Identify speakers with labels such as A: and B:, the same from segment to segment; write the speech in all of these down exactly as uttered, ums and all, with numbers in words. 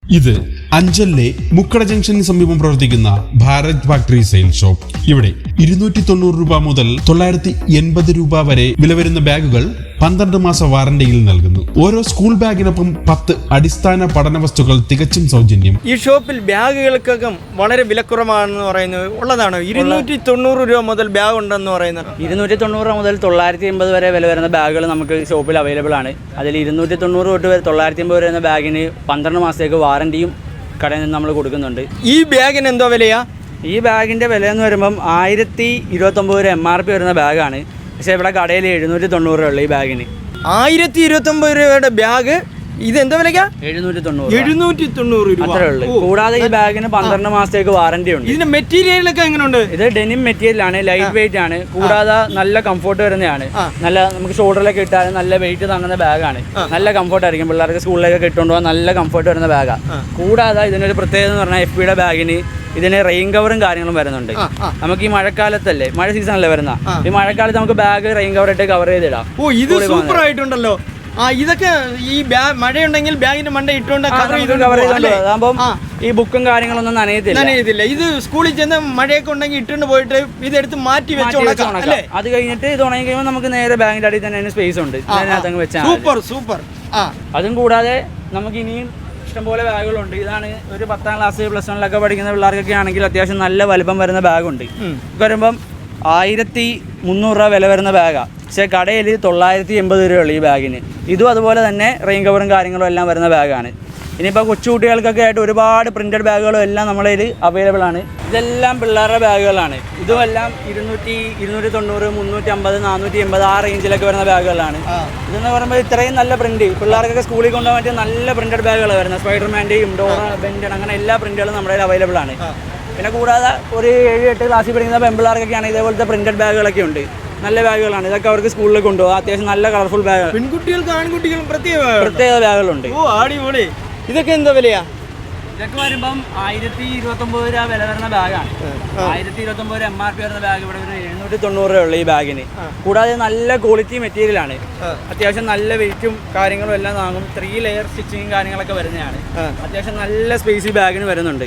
A: ഇത് അഞ്ചലിലെ മുക്കട ജംഗ്ഷന് സമീപം പ്രവർത്തിക്കുന്ന ഭാരത് ഫാക്ടറി സെയിൽ ഷോപ്പ്. ഇവിടെ ഇരുന്നൂറ്റി തൊണ്ണൂറ് രൂപ മുതൽ തൊള്ളായിരത്തി എൺപത് രൂപ വരെ വില വരുന്ന ബാഗുകൾ പന്ത്രണ്ട് മാസ വാറന്റിയിൽ നൽകുന്നു. ഓരോ സ്കൂൾ ബാഗിനൊപ്പം പത്ത് അടിസ്ഥാന പഠന വസ്തുക്കൾ തികച്ചും സൗജന്യം.
B: ഈ ഷോപ്പിൽ ബാഗുകൾക്കൊക്കെ വളരെ വിലക്കുറവാണെന്ന് പറയുന്നത് ഉള്ളതാണ്. ഇരുന്നൂറ്റി തൊണ്ണൂറ് രൂപ മുതൽ ബാഗ് ഉണ്ടെന്ന് പറയുന്നത്.
C: ഇരുന്നൂറ്റി തൊണ്ണൂറ് മുതൽ തൊള്ളായിരത്തി എൺപത് വരെ വില വരുന്ന ബാഗുകൾ നമുക്ക് ഷോപ്പിൽ അവൈലബിൾ ആണ്. അതിൽ ഇരുന്നൂറ്റി തൊണ്ണൂറ് തൊട്ട് തൊള്ളായിരത്തി എൺപത് വരുന്ന ബാഗിന് പന്ത്രണ്ട് മാസത്തേക്ക് വാറന്റിയും കടയിൽ നിന്ന് നമ്മൾ കൊടുക്കുന്നുണ്ട്.
B: ഈ ബാഗിന് എന്തോ വിലയാ?
C: ഈ ബാഗിൻ്റെ വില എന്ന് പറയുമ്പം ആയിരത്തി ഇരുപത്തൊമ്പത് രൂപ എം ആർ പി വരുന്ന ബാഗാണ്. പക്ഷേ ഇവിടെ കടയിൽ എഴുന്നൂറ്റി തൊണ്ണൂറ് രൂപ ഉള്ളൂ ഈ ബാഗിന്.
B: ആയിരത്തി ഇരുപത്തൊമ്പത് രൂപയുടെ ബാഗ് ഇത് എന്താ വിലക്കാ?
C: എഴുന്നൂറ്റി തൊണ്ണൂറ്
B: എഴുന്നൂറ്റി തൊണ്ണൂറ് രൂപ
C: അത്രേ ഉള്ളൂ. കൂടാതെ ഈ ബാഗിന് പന്ത്രണ്ട് മാസത്തേക്ക് വാറന്റി ഉണ്ട്.
B: ഇതിന്റെ മെറ്റീരിയലൊക്കെ എങ്ങനെയുണ്ട്?
C: ഇത് ഡെനിം മെറ്റീരിയൽ ആണ്, ലൈറ്റ് വെയിറ്റ് ആണ്. കൂടാതെ നല്ല കംഫോർട്ട് വരുന്നതാണ്. നല്ല നമുക്ക് ഷോൾഡറിലൊക്കെ ഇട്ടാലും നല്ല വെയിറ്റ് താങ്ങുന്ന ബാഗാണ്. നല്ല കംഫോർട്ട് ആയിരിക്കും. പിള്ളേർക്ക് സ്കൂളിലേക്ക് ഇട്ടുകൊണ്ട് പോകാൻ നല്ല കംഫോർട്ട് വരുന്ന ബാഗാണ്. കൂടാതെ ഇതിനൊരു പ്രത്യേകത എന്ന് പറഞ്ഞാൽ എഫ് പിയുടെ ബാഗിന് ഇതിന് റെയിൻ കവറും കാര്യങ്ങളും വരുന്നുണ്ട്. നമുക്ക് ഈ മഴക്കാലത്തല്ലേ, മഴ സീസണല്ലേ വരുന്ന, ഈ മഴക്കാലത്ത് നമുക്ക് ബാഗ് റെയിൻ കവർ ഇട്ട് കവർ ചെയ്തിടാം.
B: ഓ, ഇത് സൂപ്പർ ആയിട്ടുണ്ടല്ലോ. ആ, ഇതൊക്കെ ഈ മഴയുണ്ടെങ്കിൽ ബാഗിന്റെ മണ്ട ഇട്ടുകൊണ്ട് കവർ
C: അതാകുമ്പോൾ ഈ ബുക്കും കാര്യങ്ങളൊന്നും നനയത്തില്ല
B: നനയത്തില്ല ഇത് സ്കൂളിൽ ചെന്ന് മഴയൊക്കെ ഉണ്ടെങ്കിൽ ഇട്ടുകൊണ്ട് പോയിട്ട് ഇതെടുത്ത് മാറ്റി വെച്ചോളാം.
C: അത് കഴിഞ്ഞിട്ട് ഇത് ഉണങ്ങി കഴിയുമ്പോൾ നമുക്ക് നേരെ ബാഗിന്റെ അടിയിൽ തന്നെ സ്പേസ് ഉണ്ട്, അതിനകത്ത് വെച്ചാൽ
B: സൂപ്പർ സൂപ്പർ.
C: അതും കൂടാതെ നമുക്ക് ഇനിയും ഇഷ്ടംപോലെ ബാഗുകളുണ്ട്. ഇതാണ് ഒരു പത്താം ക്ലാസ് പ്ലസ് വണ്ണിലൊക്കെ പഠിക്കുന്ന പിള്ളേർക്കൊക്കെ ആണെങ്കിൽ അത്യാവശ്യം നല്ല വലിപ്പം വരുന്ന ബാഗുണ്ട്. വരുമ്പം ആയിരത്തി മുന്നൂറ് രൂപ വില വരുന്ന ബാഗാണ്. പക്ഷേ കടയിൽ തൊള്ളായിരത്തി എൺപത് രൂപയുള്ളൂ ഈ ബാഗിന്. ഇതും അതുപോലെ തന്നെ റെയിൻ കവറും കാര്യങ്ങളും എല്ലാം വരുന്ന ബാഗാണ്. ഇനിയിപ്പോൾ കൊച്ചുകുട്ടികൾക്കൊക്കെ ആയിട്ട് ഒരുപാട് പ്രിന്റഡ് ബാഗുകളും എല്ലാം നമ്മളെ കയ്യിൽ അവൈലബിൾ ആണ്. ഇതെല്ലാം പിള്ളേരുടെ ബാഗുകളാണ്. ഇതുമെല്ലാം ഇരുന്നൂറ്റി ഇരുന്നൂറ്റി തൊണ്ണൂറ് മുന്നൂറ്റി അമ്പത് നാനൂറ്റി എൺപത് ആ റേഞ്ചിലൊക്കെ വരുന്ന ബാഗുകളാണ്. ഇതെന്ന് പറയുമ്പോൾ ഇത്രയും നല്ല പ്രിന്റ് പിള്ളേർക്കൊക്കെ സ്കൂളിൽ കൊണ്ടുപോകാൻ പറ്റിയ നല്ല പ്രിന്റഡ് ബാഗുകൾ വരുന്നത്. സ്പൈഡർമാൻ്റെയും ഡോറ ബെൻഡൻ അങ്ങനെ എല്ലാ പ്രിന്റുകളും നമ്മുടെ കയ്യിൽ അവൈലബിൾ ആണ്. പിന്നെ കൂടാതെ ഒരു ഏഴ് എട്ട് ക്ലാസ്സിൽ പഠിക്കുന്ന പെൺപിള്ളേർക്കൊക്കെയാണ് ഇതേപോലത്തെ പ്രിന്റഡ് ബാഗുകളൊക്കെ ഉണ്ട്. നല്ല ബാഗുകളാണ് ഇതൊക്കെ. അവർക്ക് സ്കൂളിൽ കൊണ്ടുപോകാം. അത്യാവശ്യം നല്ല കളർഫുൾ ബാഗുകൾ.
B: പെൺകുട്ടികൾക്കും ആൺകുട്ടികളും പ്രത്യേക
C: പ്രത്യേക ബാഗുകളുണ്ട്.
B: ഓ, അടിപൊളി. ഇതൊക്കെ എന്താ വിലയാ?
C: ഇതൊക്കെ വരുമ്പം ആയിരത്തി ഇരുപത്തി ഒമ്പത് രൂപ വില വരുന്ന ബാഗാണ്. ആയിരത്തി ഇരുപത്തി ഒമ്പത് രൂപ എം ആർ പി വരുന്ന ബാഗ് ഇവിടെ ഒരു എഴുന്നൂറ്റി തൊണ്ണൂറ് രൂപ ഉള്ളു ഈ ബാഗിന്. കൂടാതെ നല്ല ക്വാളിറ്റി മെറ്റീരിയൽ ആണ്. അത്യാവശ്യം നല്ല വെയിറ്റും കാര്യങ്ങളും എല്ലാം വാങ്ങും. ത്രീ ലെയർ സ്റ്റിച്ചിങ്ങും കാര്യങ്ങളൊക്കെ വരുന്നതാണ്. അത്യാവശ്യം നല്ല സ്പേസ് ഈ ബാഗിന് വരുന്നുണ്ട്.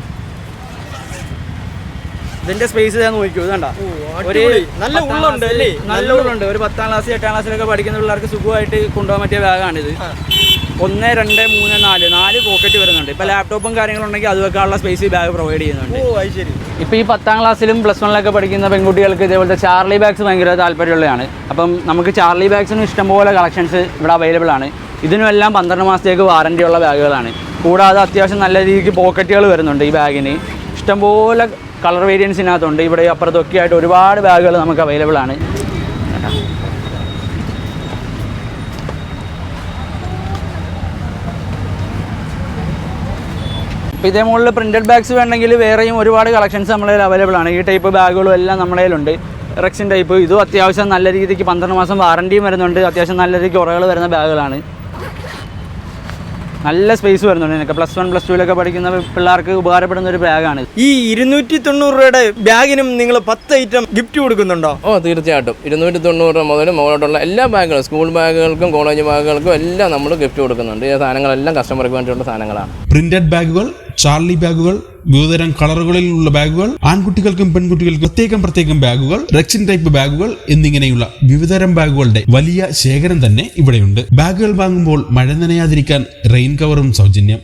C: ഇതിന്റെ സ്പേസ് ഞാൻ നോക്കൂ. ഇതണ്ട ഒരു
B: നല്ല ഉള്ളുണ്ട് അല്ലേ?
C: നല്ല ഉള്ളുണ്ട്. ഒരു പത്താം ക്ലാസ് എട്ടാം ക്ലാസ്സിലൊക്കെ പഠിക്കുന്ന പിള്ളേർക്ക് സുഖമായിട്ട് കൊണ്ടുപോകാൻ പറ്റിയ ബാഗാണിത്. ഒന്ന് രണ്ട് മൂന്ന് നാല് നാല് പോക്കറ്റ് വരുന്നുണ്ട്. ഇപ്പൊ ലാപ്ടോപ്പും കാര്യങ്ങളുണ്ടെങ്കിൽ അത് വെക്കാനുള്ള സ്പേസ് ഈ ബാഗ് പ്രൊവൈഡ് ചെയ്യുന്നുണ്ട്. ഇപ്പൊ ഈ പത്താം ക്ലാസ്സിലും പ്ലസ് വണ്ണിലൊക്കെ പഠിക്കുന്ന പെൺകുട്ടികൾക്ക് ഇതേപോലത്തെ ചാർലി ബാഗ്സ് ഭയങ്കര താല്പര്യമുള്ളതാണ്. അപ്പം നമുക്ക് ചാർലി ബാഗ്സിനും ഇഷ്ടംപോലെ കളക്ഷൻസ് ഇവിടെ അവൈലബിൾ ആണ്. ഇതിനുമെല്ലാം പന്ത്രണ്ട് മാസത്തേക്ക് വാറന്റി ഉള്ള ബാഗുകളാണ്. കൂടാതെ അത്യാവശ്യം നല്ല രീതിക്ക് പോക്കറ്റുകൾ വരുന്നുണ്ട് ഈ ബാഗിന്. ഇഷ്ടംപോലെ കളർ വേരിയൻസിനകത്തുണ്ട്. ഇവിടെ അപ്പുറത്തൊക്കെ ആയിട്ട് ഒരുപാട് ബാഗുകൾ നമുക്ക് അവൈലബിൾ ആണ്. അപ്പോൾ ഇതേ മുകളിൽ പ്രിന്റഡ് ബാഗ്സ് വേണമെങ്കിൽ വേറെയും ഒരുപാട് കളക്ഷൻസ് നമ്മളെ അവൈലബിൾ ആണ്. ഈ ടൈപ്പ് ബാഗുകളും എല്ലാം നമ്മുടെ കയ്യിലുണ്ട്. റെക്സിൻ ടൈപ്പ് ഇതും അത്യാവശ്യം നല്ല രീതിക്ക് പന്ത്രണ്ട് മാസം വാറണ്ടിയും വരുന്നുണ്ട്. അത്യാവശ്യം നല്ല രീതിക്ക് ഉറകൾ വരുന്ന ബാഗുകളാണ്. നല്ല സ്പേസ് വരുന്നുണ്ട്. എനിക്ക് പ്ലസ് വൺ പ്ലസ് ടുവിലൊക്കെ പഠിക്കുന്ന പിള്ളേർക്ക് ഉപകാരപ്പെടുന്ന ഒരു ബാഗാണ്.
B: ഈ ഇരുന്നൂറ്റി തൊണ്ണൂറ് രൂപയുടെ ബാഗിനും നിങ്ങൾ പത്ത് ഐറ്റം ഗിഫ്റ്റ് കൊടുക്കുന്നുണ്ടോ?
D: ഓ, തീർച്ചയായിട്ടും. ഇരുന്നൂറ്റി തൊണ്ണൂറ് രൂപ മുതൽ മുകളിലോട്ടുള്ള എല്ലാ ബാഗുകളും, സ്കൂൾ ബാഗുകൾക്കും കോളേജ് ബാഗുകൾക്കും എല്ലാം നമ്മൾ ഗിഫ്റ്റ് കൊടുക്കുന്നുണ്ട്. ഈ സാധനങ്ങളെല്ലാം കസ്റ്റമർക്ക് വേണ്ടിയുള്ള സാധനങ്ങളാണ്.
A: പ്രിന്റഡ് ബാഗുകൾ, ചാർലി ബാഗുകൾ, വിവിധതരം കളറുകളിലുള്ള ബാഗുകൾ, ആൺകുട്ടികൾക്കും പെൺകുട്ടികൾക്കും പ്രത്യേകം പ്രത്യേകം ബാഗുകൾ, റെക്സിൻ ടൈപ്പ് ബാഗുകൾ എന്നിങ്ങനെയുള്ള വിവിധതരം ബാഗുകളുടെ വലിയ ശേഖരം തന്നെ ഇവിടെയുണ്ട്. ബാഗുകൾ വാങ്ങുമ്പോൾ മഴ നനയാതിരിക്കാൻ റെയിൻ കവറും സൗജന്യം.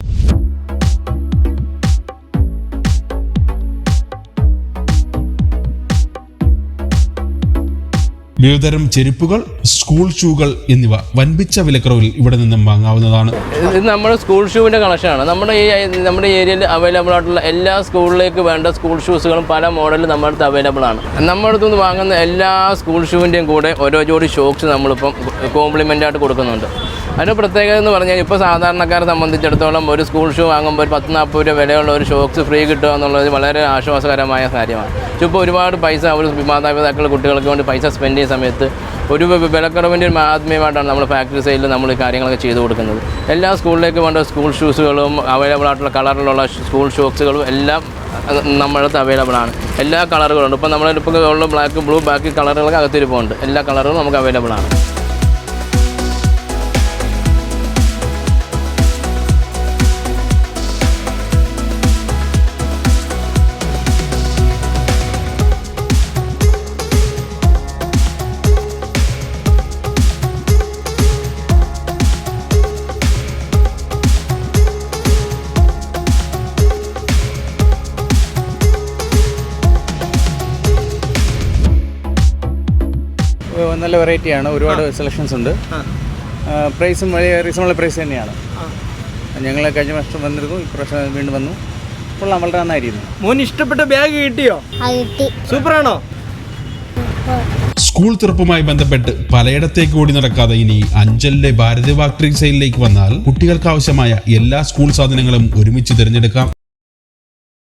A: വിവിധതരം ചെരുപ്പുകൾ, സ്കൂൾ ഷൂകൾ എന്നിവ വൻപിച്ച വിലക്കുറവിൽ ഇവിടെ നിന്നും വാങ്ങാവുന്നതാണ്.
D: ഇത് നമ്മുടെ സ്കൂൾ ഷൂവിൻ്റെ കളക്ഷനാണ്. നമ്മുടെ ഈ നമ്മുടെ ഏരിയയിൽ അവൈലബിൾ ആയിട്ടുള്ള എല്ലാ സ്കൂളിലേക്ക് വേണ്ട സ്കൂൾ ഷൂസുകളും പല മോഡലും നമ്മുടെ അടുത്ത് അവൈലബിൾ ആണ്. നമ്മുടെ അടുത്ത് നിന്ന് വാങ്ങുന്ന എല്ലാ സ്കൂൾ ഷൂവിൻ്റെയും കൂടെ ഓരോ ജോഡി ഷോക്സ് നമ്മളിപ്പം കോംപ്ലിമെൻ്റ് ആയിട്ട് കൊടുക്കുന്നുണ്ട്. അതിൻ്റെ പ്രത്യേകത എന്ന് പറഞ്ഞാൽ ഇപ്പോൾ സാധാരണക്കാരെ സംബന്ധിച്ചിടത്തോളം ഒരു സ്കൂൾ ഷൂ വാങ്ങുമ്പോൾ ഒരു പത്ത് നാൽപ്പത് രൂപ വിലയുള്ള ഒരു ഷോക്സ് ഫ്രീ കിട്ടുക എന്നുള്ളത് വളരെ ആശ്വാസകരമായ കാര്യമാണ്. ഇപ്പോൾ ഒരുപാട് പൈസ ഒരു മാതാപിതാക്കൾ കുട്ടികൾക്ക് വേണ്ടി പൈസ സ്പെൻഡ് ചെയ്യുന്ന സമയത്ത് ഒരു വിലക്കുറവിൻ്റെ ഒരു ആത്മീയമായിട്ടാണ് നമ്മൾ ഫാക്ടറി സൈഡിൽ നമ്മൾ ഈ കാര്യങ്ങളൊക്കെ ചെയ്തു കൊടുക്കുന്നത്. എല്ലാ സ്കൂളിലേക്ക് വേണ്ട സ്കൂൾ ഷൂസുകളും അവൈലബിൾ ആയിട്ടുള്ള കളറിലുള്ള സ്കൂൾ ഷോക്സുകളും എല്ലാം നമ്മുടെ അടുത്ത് അവൈലബിൾ ആണ്. എല്ലാ കളറുകളുണ്ട്. ഇപ്പോൾ നമ്മളിപ്പോൾ ഉള്ള ബ്ലാക്ക്, ബ്ലൂ, ബാക്കി കളറുകളൊക്കെ അകത്തിരിപ്പുണ്ട്. എല്ലാ കളറുകളും നമുക്ക് അവൈലബിൾ ആണ്.
E: നല്ല വെറൈറ്റിയാണ്, ഒരുപാട് സെലക്ഷൻസ് ഉണ്ട്. പ്രൈസും വലിയ റീസണബിൾ പ്രൈസ് തന്നെയാണ്. ഞങ്ങൾ കഴിഞ്ഞ വർഷം വന്നിരുന്നു, ഇപ്രാവശ്യം വീണ്ടും വന്നു. കൊള്ളാം, വളരെ നന്നായിരുന്നു.
B: മോൻ ഇഷ്ടപ്പെട്ട ബാഗ് കിട്ടിയോ? സൂപ്പറാണോ?
A: സ്കൂൾ തുറപ്പുമായി ബന്ധപ്പെട്ട് പലയിടത്തേക്ക് ഓടി നടക്കാതെ ഇനി അഞ്ചലിലെ ഭാരത് ഫാക്ടറി സെയിലിലേക്ക് വന്നാൽ കുട്ടികൾക്ക് ആവശ്യമായ എല്ലാ സ്കൂൾ സാധനങ്ങളും ഒരുമിച്ച് തിരഞ്ഞെടുക്കാം.